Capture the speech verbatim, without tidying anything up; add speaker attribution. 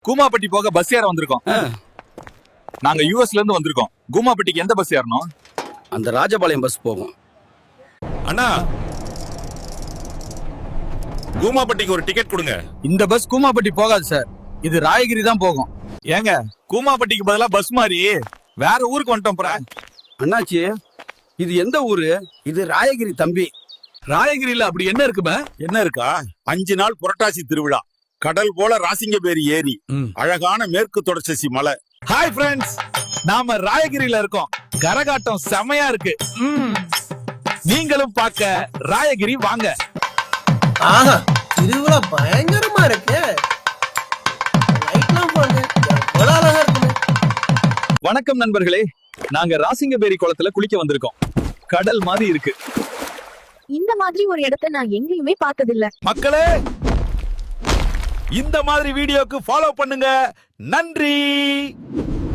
Speaker 1: கூமாப்பட்டி போக பஸ் ஏற வந்திருக்கோம். நாங்க யூஎஸ்ல இருந்து வந்திருக்கோம். கூமாப்பட்டிக்கு எந்த பஸ் ஏறணும்?
Speaker 2: அந்த ராஜபாளையம் பஸ் போகும்.
Speaker 3: அண்ணா, கூமாப்பட்டிக்கு ஒரு டிக்கெட் கொடுங்க.
Speaker 1: இந்த பஸ் கூமாப்பட்டி போகாது சார், இது ராயகிரி தான் போகும். ஏங்க, கூமாப்பட்டிக்கு பதிலா பஸ் மாதிரி வேற ஊருக்கு வந்துட்டோம்.
Speaker 2: அண்ணாச்சி, இது எந்த ஊரு? இது ராயகிரி தம்பி.
Speaker 1: ராயகிரியில அப்படி என்ன இருக்குமே?
Speaker 3: என்ன இருக்கா? அஞ்சு நாள் புரட்டாசி திருவிழா, கடல் போல ராசிங்கபேரி ஏரி, அழகான மேற்கு தொடர்ச்சி மலை.
Speaker 1: ஹாய் ஃப்ரெண்ட்ஸ், நாம ராயகிரியில இருக்கோம். கரகாட்டம் செமையா இருக்கு. நீங்களும் பார்க்க ராயகிரி வாங்க.
Speaker 4: ஆஹா, திருவிழா பயங்கரமா இருக்கு. லைட்லாம் பாருங்க, எவ்வளவு அழகா இருக்கு.
Speaker 1: வணக்கம் நண்பர்களே, நாங்க ராசிங்கபேரி குளத்துல குளிக்க வந்திருக்கோம். கடல் மாதிரி இருக்கு.
Speaker 5: இந்த மாதிரி ஒரு இடத்தை நான் எங்கேயுமே பார்த்ததில்ல.
Speaker 1: மக்களே, இந்த மாதிரி வீடியோக்கு ஃபாலோ பண்ணுங்க. நன்றி.